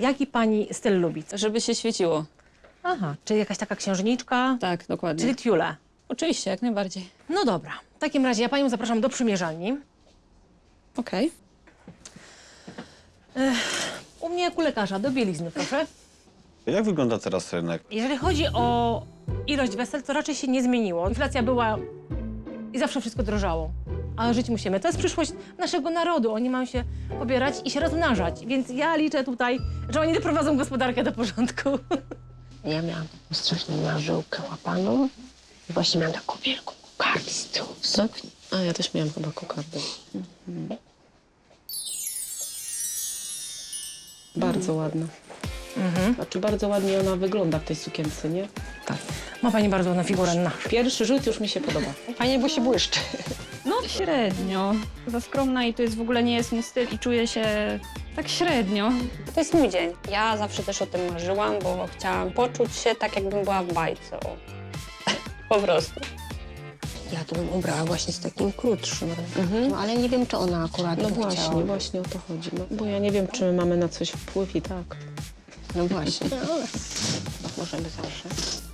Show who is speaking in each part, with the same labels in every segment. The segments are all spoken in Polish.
Speaker 1: Jaki pani styl lubi?
Speaker 2: Żeby się świeciło.
Speaker 1: Aha, czyli jakaś taka księżniczka,
Speaker 2: Tak, dokładnie.
Speaker 1: czyli tiule.
Speaker 2: Oczywiście, jak najbardziej.
Speaker 1: No dobra, w takim razie ja panią zapraszam do przymierzalni.
Speaker 2: Okej.
Speaker 1: U mnie jak u lekarza, do bielizny, proszę.
Speaker 3: Jak wygląda teraz rynek?
Speaker 1: Jeżeli chodzi o ilość wesel, to raczej się nie zmieniło. Inflacja była i zawsze wszystko drożało. Ale żyć musimy. To jest przyszłość naszego narodu. Oni mają się pobierać i się rozmnażać. Więc ja liczę tutaj, że oni doprowadzą gospodarkę do porządku.
Speaker 4: Ja miałam taką straszną marzyłkę łapaną i właśnie miałam taką wielką kokardę z tyłu w sukni.
Speaker 2: A ja też miałam chyba kokardę. Bardzo ładna. Znaczy bardzo ładnie ona wygląda w tej sukience, nie?
Speaker 1: Tak. Ma pani bardzo ładną figurę na.
Speaker 2: Pierwszy rzut już mi się podoba.
Speaker 4: Fajnie, bo się błyszczy.
Speaker 5: No średnio. Za skromna i to jest w ogóle nie jest mój styl i czuję się tak średnio.
Speaker 6: To jest mój dzień. Ja zawsze też o tym marzyłam, bo chciałam poczuć się tak, jakbym była w bajce. O. Po prostu.
Speaker 4: Ja to bym ubrała właśnie z takim krótszym. No, ale nie wiem, czy ona akurat
Speaker 2: No
Speaker 4: by
Speaker 2: właśnie,
Speaker 4: chciała.
Speaker 2: właśnie o to chodzi. No, bo ja nie wiem, czy my mamy na coś wpływ i tak.
Speaker 4: No właśnie. Ale możemy zawsze.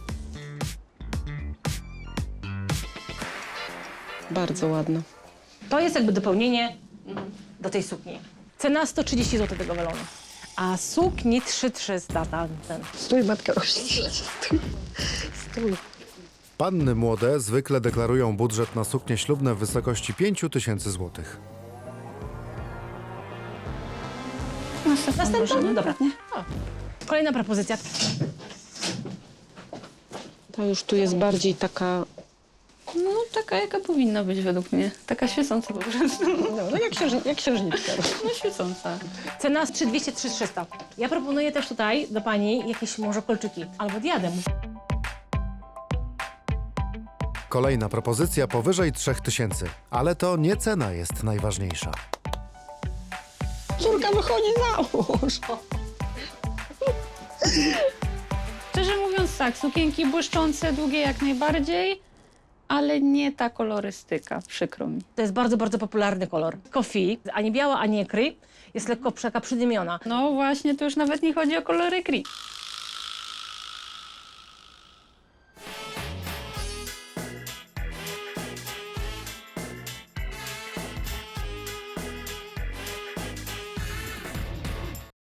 Speaker 2: Bardzo ładna.
Speaker 1: To jest jakby dopełnienie do tej sukni. Cena 130 zł tego welonu. A sukni 3300 ten.
Speaker 4: Stój, matka rośnie. Stój.
Speaker 7: Panny młode zwykle deklarują budżet na suknie ślubne w wysokości 5000 zł.
Speaker 1: Następna? Dobra. O. Kolejna propozycja.
Speaker 2: Ta już tu jest bardziej taka...
Speaker 5: No taka jaka powinna być według mnie. Taka świecąca po prostu.
Speaker 4: No jak księżniczka.
Speaker 5: No świecąca.
Speaker 1: Cena z 3200-3300. Ja proponuję też tutaj do pani jakieś może kolczyki albo diadem.
Speaker 7: Kolejna propozycja powyżej 3000, ale to nie cena jest najważniejsza.
Speaker 4: Córka wychodzi za mąż.
Speaker 5: Szczerze mówiąc tak, sukienki błyszczące, długie jak najbardziej, ale nie ta kolorystyka, przykro mi.
Speaker 1: To jest bardzo, bardzo popularny kolor. Coffee, ani biała, ani ekry. Jest lekko taka przydymiona.
Speaker 5: No właśnie, to już nawet nie chodzi o kolory gris.